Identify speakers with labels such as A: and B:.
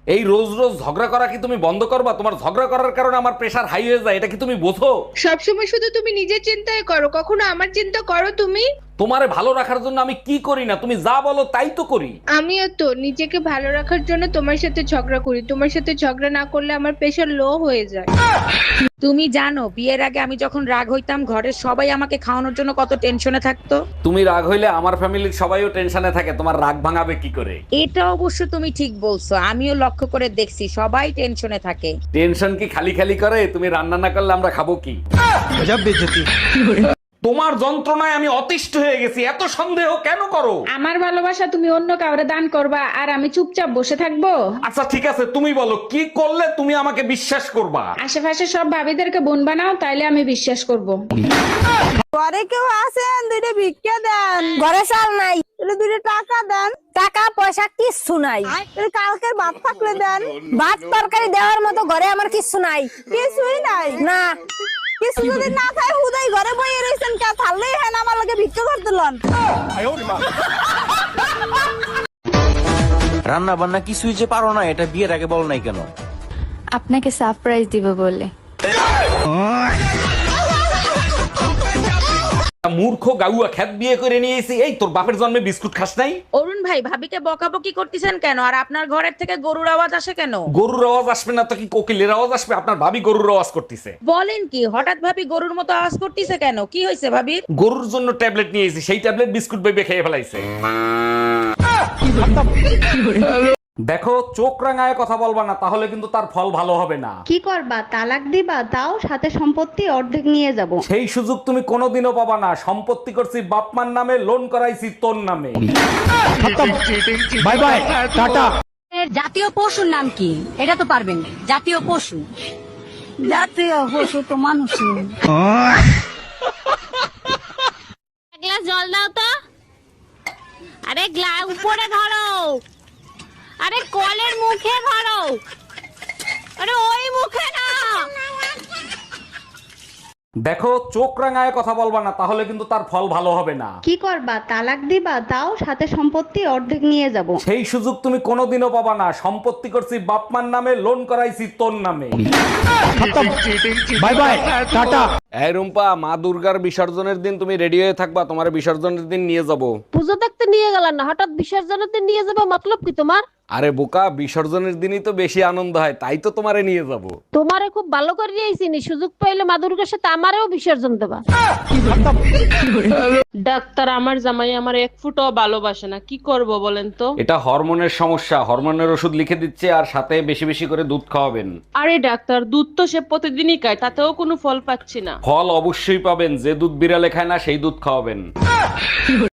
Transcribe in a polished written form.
A: এই রোজ রোজ ঝগড়া করা কি তুমি বন্ধ করবা? তোমার ঝগড়া করার কারণে আমার প্রেশার হাই হয়ে যায়, এটা কি তুমি বোঝো?
B: সবসময় শুধু তুমি নিজের চিন্তাই করো, কখনো আমার চিন্তা করো তুমি?
A: তোমারে ভালো রাখার জন্য আমি কি করি না, তুমি যা বলো তাই তো করি।
B: আমিও তো নিজেকে ভালো রাখার জন্য তোমার সাথে ঝগড়া করি। তোমার সাথে ঝগড়া না করলে আমার প্রেশার লো হয়ে যায়।
C: তুমি জানো বিয়ের আগে আমি যখন রাগ হইতাম ঘরের সবাই আমাকে খাওয়ানোর জন্য কত টেনশনে থাকতো।
A: তুমি রাগ হইলে আমার ফ্যামিলির সবাইও টেনশনে থাকে, তোমার রাগ ভাঙাবে কি করে?
C: এটা অবশ্য তুমি ঠিক বলছো, আমিও লক্ষ্য করে দেখছি সবাই টেনশনে থাকে।
A: টেনশন কি খালি খালি করে? তুমি রান্না না করলে আমরা খাবো কি? তোমার যন্ত্রণায় আমি অতিষ্ঠ হয়ে গেছি, এত সন্দেহ কেন করো?
D: আমার ভালোবাসা তুমি অন্য কাউরে দান করবা আর আমি চুপচাপ বসে থাকবো?
A: আচ্ছা ঠিক আছে, তুমি বলো কি করলে তুমি আমাকে বিশ্বাস করবা?
D: আশেপাশে সব ভাবিদেরকে বোন বানাও, তাইলে আমি বিশ্বাস করব।
E: ঘরে কেউ আছেন? দুইটা ভিক্ষা দেন। ঘরে চাল নাই, দুইটা টাকা দেন। টাকা পয়সা কিচ্ছু নাই, কালকের ভাত থাকলে দেন। ভাত তরকারি দেওয়ার মতো ঘরে আমার কিচ্ছু নাই। কিছুই নাই না, কিছু যদি না খাই হুদাই ঘরে বইয়ে রইছেন, কে থাললেই হ্যাঁ আমার লগে ভিক্ষা করতে লন।
F: রান্না বান্না কিছুই যে পারো না, এটা বিয়ের আগে বল নাই কেন?
G: আপনাকে সারপ্রাইজ দিব বলে।
A: মূর্খ গাউয়া খ্যাত বিয়ে করে নিয়েছি। এই তোর বাপের জন্মে বিস্কুট খাস নাই?
C: অরুণ ভাই ভাবিকে বকাবকি করতেছেন কেন? আর আপনার ঘরের থেকে গরুর আওয়াজ আসে কেন?
A: গরুর আওয়াজ আসবে না তো কি কোকিলের আওয়াজ আসবে? আপনার ভাবি গরুর আওয়াজ করতেছে।
C: বলেন কি, হঠাৎ ভাবি গরুর মতো আওয়াজ করতেছে কেন? কি হয়েছে ভাবির?
A: গরুর জন্য ট্যাবলেট নিয়েছি, সেই ট্যাবলেট বিস্কুট বেবে খেয়ে ফেলাইছে। দেখো, চোখ রাঙায় কথা বলবা না, তাহলে কিন্তু তার ফল ভালো হবে না।
H: কি করবা? তালাক দিবা? তাও সাথে সম্পত্তি অর্ধেক নিয়ে যাব।
A: সেই সুযোগ তুমি কোনোদিনও পাবা না। সম্পত্তি করছি বাপমার নামে, লোন করাইছি তোর নামে। Bye bye, tata.
I: জাতীয় পশুর নাম কি? এটা তো পারবেন না। জাতীয় পশু, জাতীয় পশু তো মানুষই।
D: গ্লাস জল দাও তো। আরে গ্লাস উপরে ধরো, আরে কলের মুখে ধরো, আরে ওই মুখে না।
A: দেখো, চোখ রাঙায় কথা বলবা না, তাহলে কিন্তু তার ফল ভালো হবে না।
H: কি করবা? তালাক দিবা? তাও সাথে সম্পত্তি অর্ধেক নিয়ে যাব।
A: সেই সুযোগ তুমি কোনোদিনও পাবা না। সম্পত্তি করছি বাপমার নামে, লোন করাইছি তোর নামে। Bye bye, tata. এই রুম্পা, মা দুর্গার বিসর্জনের দিন তুমি রেডি হয়ে থাকবা, তোমার বিসর্জনের দিন নিয়ে যাব।
D: পুজো দেখতে নিয়ে গেলাম না, হঠাৎ বিসর্জনতে নিয়ে যাবো, মতলব কি তোমার?
A: আরে বোকা, বিসর্জনের দিনই তো বেশি আনন্দ হয়, তাই তো তোমারে নিয়ে যাব।
D: তোমারে খুব ভালো করে নিয়েছিনি, সুযোগ পাইলে মা দুর্গার সাথে আমারেও বিসর্জন দেবা।
J: ডাক্তার, আমার জামাই আমার এক ফুটও ভালোবাসে না, কি করব বলেন তো?
A: এটা হরমোনের সমস্যা, হরমোনের ওষুধ লিখে দিচ্ছে, আর সাথে বেশি বেশি করে দুধ খাওয়াবেন।
J: আরে ডাক্তার, দুধ তো সে প্রতিদিনই খায়, তাতেও কোনো ফল পাচ্ছি না।
A: ফল অবশ্যই পাবেন, যে দুধ বিড়ালে খায় না সেই দুধ খাওয়াবেন।